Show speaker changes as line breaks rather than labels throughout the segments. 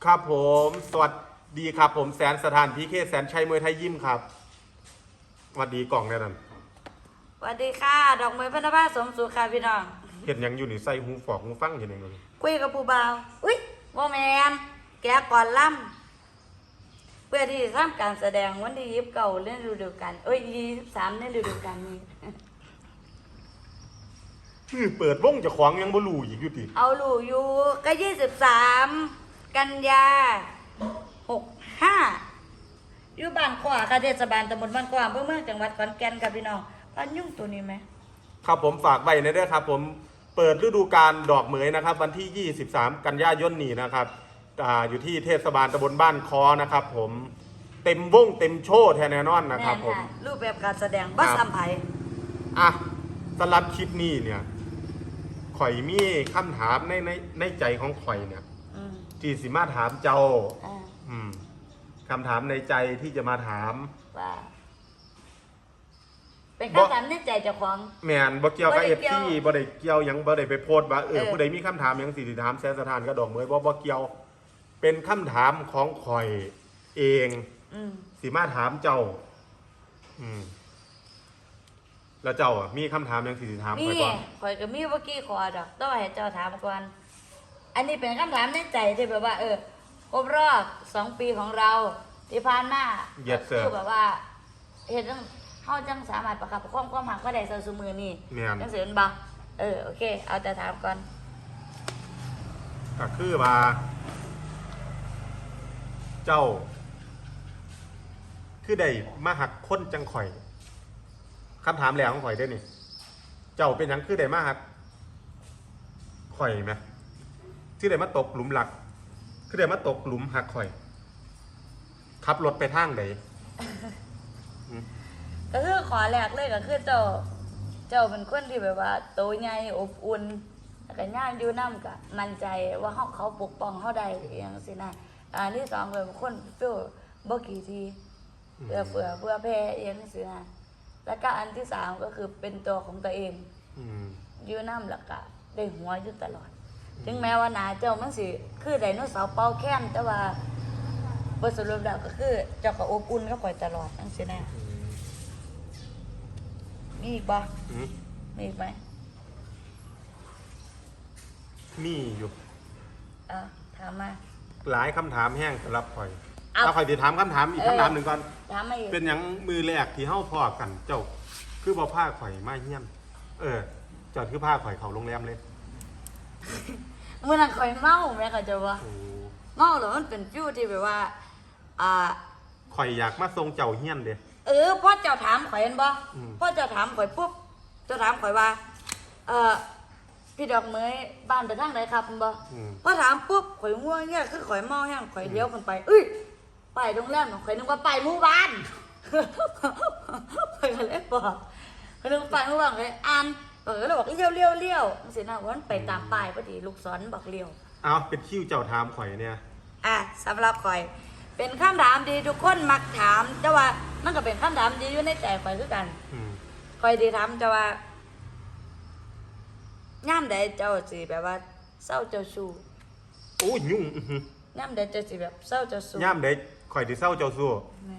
ครับผมสวัสดีครับผมแสนสถานพีเคแสนชัยมวยไทยยิมครับสวัสดีกล่องแน่นอน
สวัสดีค่ะดอกไม้พนภาสมสุขค่ะพี่น้อง
เห็นยังอยู่นี่ใส่หูฝอกหูฟังเห็นยังเลย
คุยกับผู้บ่าวอุ้ยโมแมนแกก่อนล่ำเพื่อที่จะทำการแสดงวันที่29เล่นฤดูกาล23เล่นฤดูกาลนี้
เปิดวงจะขวางยังบ่รู้อีกอยู่ติ
เอาลูกอยู่ก็23กันยา65อยู่บ้านขวาค่ะเทศบาลตำบลบ้านขวาอำเภอเมืองจังหวัดขอนแก่นค่ะพี่น้องพันยุ่งตัวนี้ไหม
ครับผมฝากไว้ในเด้อครับผมเปิดฤดูกาลดอกเหมยนะครับวันที่23กันยายนนี้นะครับอยู่ที่เทศบาลตำบลบ้านคอนะครับผมเต็มวงเต็มโชว์แน่นอนนะครับผม
รูปแบบการแสดงบัสอัมไพ
อ่ะสำหรับคลิปนี้เนี่ยข่อยมีคำถามในใจของข่อยเนี่ยที่สิมาถามเจ้าคำถามในใจที่จะมาถาม
ว่าเป็นคำถามในใจเจ้าของ
แมนบ่เกี่ยวกับFCบ่ได้เกี่ยวยังบ่ได้ไปโพสต์ว่าผู้ใดมีคำถามยังสิถามแสนสถานกับดอกเหมยบ่เกี่ยวเป็นคำถามของข่อยเองสิมาถามเจ้าแล้วเจ้ามีคำถามยังสิถามข่อยก่อน
ข่อยก็มีเมื่อกี้ขอดอกต้องให้เจ้าถามก่อนอันนี้เป็นคำถามในใจที่แบบว่าครบรอบ2 ปีของเราที่ผ่านมาคือแบบว่าเห็นเขาจังสามารถประคับประคองความหักก็ได้เสมอนี่จังเสียนบ่โอเคเอาแต่ถามก่อน
ก็คือว่าเจ้าคือได้มาหักคนจังข่อยคำถามแหลกของข่อยได้นี่เจ้าเป็นยังคือได้มาหักข่อยไหมที่ได้มาตกหลุมหลักคือได้มาตกหลุมหักข่อยขับรถไปทางไหน
ก็คือขอแรกเลยก็คือเจ้าเป็นคนที่แบบว่าโตใหญ่อบอุ่นแล้วก็ย่างอยู่น้ำก็มั่นใจว่าเขาปกป้องเขาได้อย่างสินะอันที่2เป็นคนฟิลบ่กี่ทีเพื่อแพ้อย่างสินะแล้วก็อันที่3ก็คือเป็นตัวของตัวเองอยู่น้ำแล้วก็ได้หัวอยู่ตลอดถึงแม้ว่าหนาเจ้ามันสิคือไดโนเสาร์เป่าแค้นแต่ว่าบทสรุปแล้วก็คือเจ้าก็อบอุ่นก็ปล่อยตลอดจังสินะมีอีกบ่มีอีกไหม
มีอยู่
ถามมา
หลายคำถามแห้งสำหรับข่อยเอาข่อยจะถามคำถามอีกคำถามหนึ่งก่อน
ถามมาอีก
เป็นอย่างมือแรกที่เฮ้าพอกันเจ้าคือบ่ผ้าข่อยมาเฮี้ยนเจ้าคือผ้าข่อยเขาโรงแรมเลย
เมื่อนั้นข่อยเมาแม่ก็จะว่าเมาหรอมันเป็นฟิวที่แบบว่า
ข่อยอยากมาทรงเจ้าเฮี้ยนเด้
พ่อเจ้าถามข่อยเห็นบ่พ่อเจ้าถามข่อยปุ๊บเจ้าถามข่อยว่าพี่ดอกเหมยบ้านไปทางไหนครับบ่พอถามปุ๊บข่อยง่วงเนี่ยคือข่อยเมาแห้งข่อยเลี้ยวขึ้นไปไปโรงแรมข่อยนึกว่าไปหมู่บ้านข่อยก็เลยบอกข่อยนึกว่าไปหมู่บ้านข่อยอ่านข่อยก็เลยบอกเลี้ยวสินะว่ามันไปตามป้ายพอดีลูกศรบอกเลี้ยว
เป็นคิวเจ้าถามข่อยเนี่ย
สำหรับข่อยเป็นคำถามดีทุกคนมักถามแต่ว่ามันก็เป็นคำถามดีอยู่ในใจข่อยคือกันข่อยดีถามแต่ว่าย่ามใดเจ้าสิแบบว่าเศร้าเจ้าชู้
โอ้ยุ่ง
ย่ามใดเจ้าสิแบบเศร้าเจ้าชู้
ย่ามใดข่อยที่เศร้าเจ้าชู้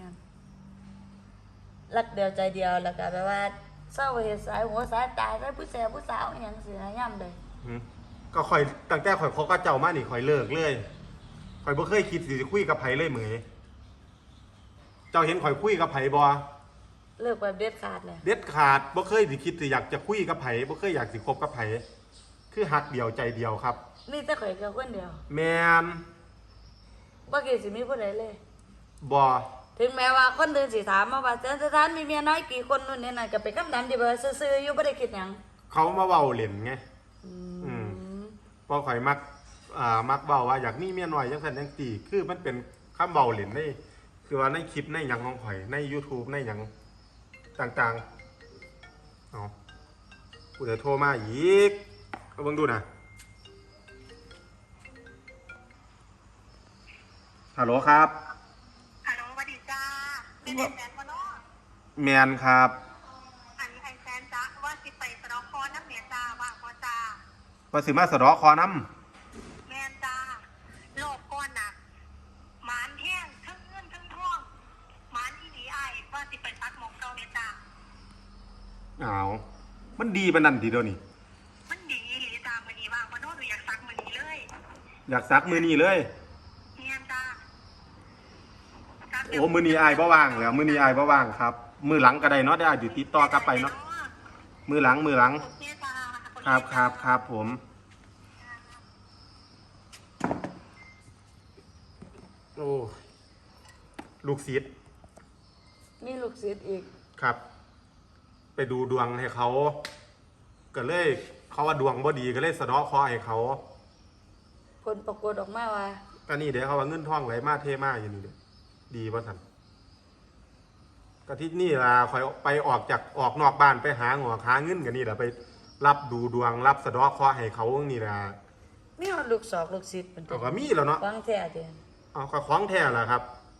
รักเดียวใจเดียวแล้วก็แบบว่าเศร้าเหตุสายหัวสายตายได้ผู้สาวอย่างสินะย่ามใด
ก็ข่อยตั้งแต่ข่อยคบกับเจ้ามานี่ข่อยเลิกเลยข่อยบ่เคยคิดสิจะคุยกับไผเลยเหมยเจ้าเห็นข่อยคุยกับไผบ่
เลิกแบบเด็ดขาดเลย
เด็ดขาดบ่เคยสิคิดสิอยากจะคุยกับไผบ่เคยอยากสิคบกับไผคือหักเดียวใจเดียวครับ
นี่แต่ข่อยแค่คนเดียว
แม่น
บ่คิดสิมีผู้ใดเลย
บ่
ถึงแม้ว่าคนอื่นสิถามมาว่าสถานมีเมียน้อยกี่คนนู่นนี่นั่นก็เป็นคำถามที่แบบซื่อๆอยู่บ่ได้คิดหยัง
เขามาเว้าเล่นไงพอข่อยมักเว้าว่าอยากมีเมียน้อยจังซั่นจังซี่คือมันเป็นคำเว้าเล่นในคือว่าในคลิปในหยังของข่อยใน YouTube ในหยังต่างๆกูจะโทรมาอีกเอาเบิ่งดูนะฮัลโหลครับ
ฮัลโหลสวัสดีจ้าเป็นแฟนมาเนาะ
แมนครับ
อันนี้แฟนจ้าว่าสิไปสะดอกคอน้ำเมียจ้าว่าพอจ้า
ว่าสิมาสะดอกคอน้
ำแมนจ้าโลกก้อนน่ะ
มันดีปานนั้นทีเดียวนี่
มันดีหรือตามมันนี้ว่างมันโน้ตหรืออยากซักมันนี้เลย
อยากซักมือนี้เลย
เฮียจ้า
โอ้มือนี้อายบ่ว่างแล้วมือนี้อายบ่ว่างครับมือหลังก็ได้เนาะได้อยู่ติดต่อกลับไปเนาะมือหลัง
โอเคจ้า
ครับผมโอ้ลูกศิษย์
มีลูกศิษย์อีก
ครับ ไปดูดวงให้เขาก็เลยเขาว่าดวงบ่ดีก็เลยสะเดาะเคราะห์ให้เขา
ผลปรากฏออกมาว่า
ก็นี่เดี๋ยวเขาว่าเงินทองไหลมาเทมาอยู่นี่เด้อดีป่ะท่านก็ที่นี่ล่ะคอยไปออกนอกบ้านไปหาหัวหาเงินกันนี่แหละไปรับดูดวงรับสะเดาะเคราะห์ให้เขานี่ล่ะ
มีฮอดลูกศอกลูกศิษย์เป็น
เอาก็มีแล้วเนาะ
ฟังแท้เด้อ
เอาก็ของแท้ล่ะครับ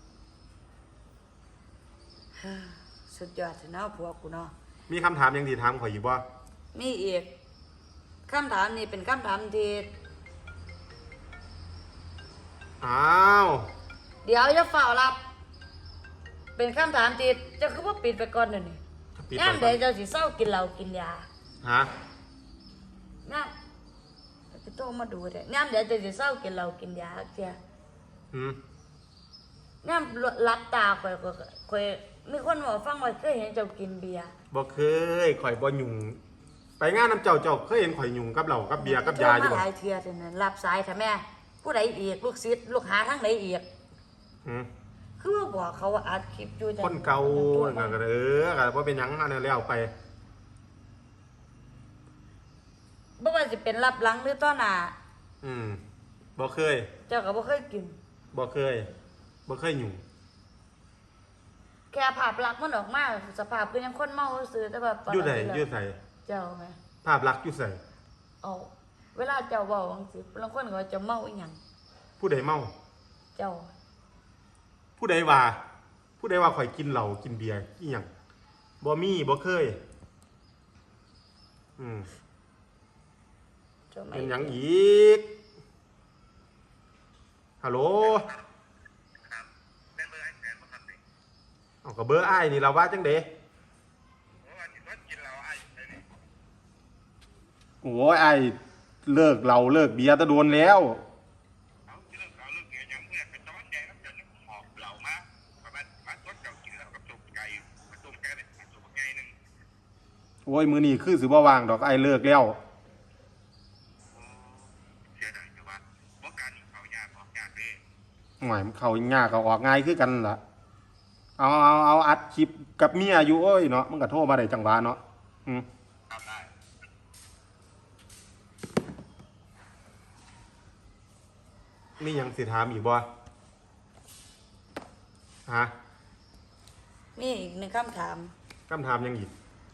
สุดยอดสิเนาะพวกกูเนาะ
มีคำถามยังดีถามข่อยอยู่บ่
มีอีกคำถามนี้เป็นคำถามที่
อ้าว
เดี๋ยวจะฝ่ารับ เป็นคำถามที่เจะคือว่าปิดไปก่อนเดี๋ยวนี้
ปิด
ย่าม
ก่
ใด
อน
เจ้าสิเศร้ากินเหล้ากินยา
ฮะ
ย่ามไปโตมาดูเด้ย่ามใดเจ้าสิเศร้ากินเหล้ากินยาเจ้า
อืม
ย่ามรับตาข่อยมีคนบอกฟังว่าเคยเห็นเจ้ากินเบียร์
บ่เคยข่อยบ่ยุ่งไปงานน้ำเจ้าเคยเห็นข่อยยุ่งกับเหล้ากับเบียร์กับยาอยู่
โทร
บ่
มาหลายเทื่อเท่านั้นรับสายค่ะแม่ ผู้ใดอีกลูกศิษย์ลูกหาทั้งใดอีก
อืม
คือว่าบอกเขาว่าอัดคลิปอยู่จัง
คนเก่าก็ก็บ่เป็นหยังอันนั้นแล้วไป
บ่ว่าสิเป็นรับหลังหรือต้อหน้า
อืมบ่เคย
เจ้าก็บ่เคยกิน
บ่เคยยุ่ง
แค่ภาพลักษณ์มันออกมาสภาพคือยังคนเมาซื่อแต่ว่าตน
อยู่ไหน
นั้น
อยู่ใส่
เจ้าแม่
ภาพลักษณ์อยู่ใส่
เอาเวลาเจ้าเว้าจังซี่บางคนก็ว่าเจะเมาอีหยัง
ผู้ใดเมา
เจ้า
ผู้ใดว่าข่อยกินเหล้ากินเบียร์อีหยังบ่มีบ่เคย อืม
เจ้าไม่
เป็นหยังอีกฮัลโหล
ครับได้เบอร์ไอ้แสนมาทำดิ
เอาก็เบอร์อ้ายนี่เราว่าจังได๋
เพราะว่ากินเราไอ้เลยนี่
โอ้ยอ้ายเลิกเหล้าเลิกเบียร์ตะโดนแล้ว
เอาเรื่องเราเรื่องเงี้ยยังเมื่อเป็นตอนแดงแล้วจะหอบเหล่ามาประมาณรถเก่ากินแล้วกับตุ่มไก่กับตุ่มไก่เนี่ยตุ่มไก่หนึ่ง
โอ้ยมื้อนี้คือสิบ่ว่างดอกอ้ายเลิกแล้ว
เสียดายแต่ว่าเพราะการเขายากออกยากเลย
หน่อยมันเข้ายากก็ออกง่ายคือกันล่ะเอาอัดคลิปกับเมียอยู่เอ้ยเนาะมันก็โทรมาได้จังหวะเนาะอืม
ทำได้
มีหยังสิถามอีกบ่ฮะ
มีอีกหนึ่งคำถาม
คำถามหยังอีก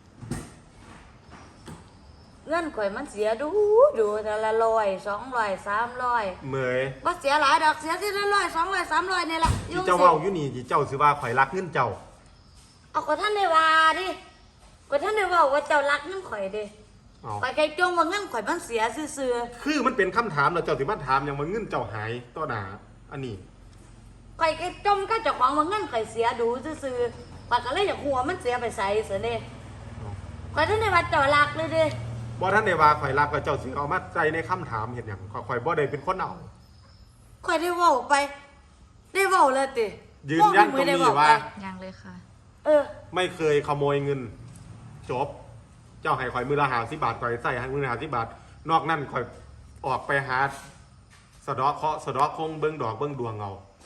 เงินข่อยมันเสียดูแต่ละ100 200 300
เมย
บ่เสียหลายดอกเสียทีละ100 200 300นี่ล่ะ
ที่เจ้าเว้าอยู่นี่ที่เจ้าสิว่าข่อยรักเงินเจ้า
เอาก็ท่านได้ว่าดิก็ท่านได้เว้าว่าเจ้ารักเงินข่อยเด้
เอา
ข่อยไกจงว่าเงินข่อยมันเสียซื่อ
คือมันเป็นคำถามแล้วเจ้าสิมาถามหยังว่าเงินเจ้าหายต่อหน้าอันนี้
ๆข่อยไกจมก็เจ้าของว่าเงินข่อยเสียดูซื่อๆข่อยก็เลยอยากหัวมันเสียไปใส่เสียเด้ข่อยท่านได้ว่าเจ้ารักเลยเด้
บ่ท่านได้ว่าข่อยรักแล้วเจ้าสิเอามาใจในคำถามเฮ็ดหยังข่อยบ่ได้เป็นคนเอา
ข่อยได้เว้าไป ได้เว้าเลยติ
ยืนยันตรงนี้ว่า
ยังเลยค่ะ
เออ
ไม่เคยขโมยเงิน จบ เจ้าให้ข่อยมือละ50บาทข่อยใส่ให้มือละ50บาท นอกนั้นข่อยออกไปหาสะเดาะเคราะห์สะเดาะคงเบิ่งดอกเบิ่งดวงเอา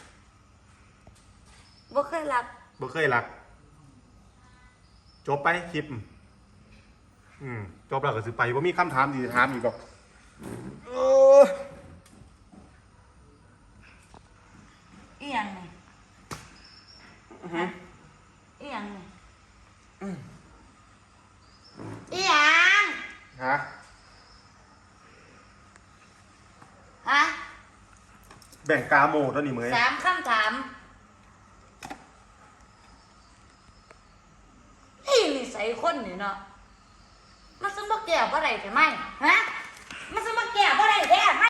บ่เคยรัก
บ่เคยรัก จบไปคลิป จบแล้วก็สิไปบ่มีคำถามสิถามอีกดอกเออ
อีหยังนี่อีหยังนี่อีหยัง
ฮะ
ฮะ
แบ่งกาโมตัวนี้เหมย
3คำถามนี่นิสัยคนนี่เนาะมันสมบ่แก่บ่ได้ใช่ไหมฮะมันสมบ่แก่บ่ได้แท้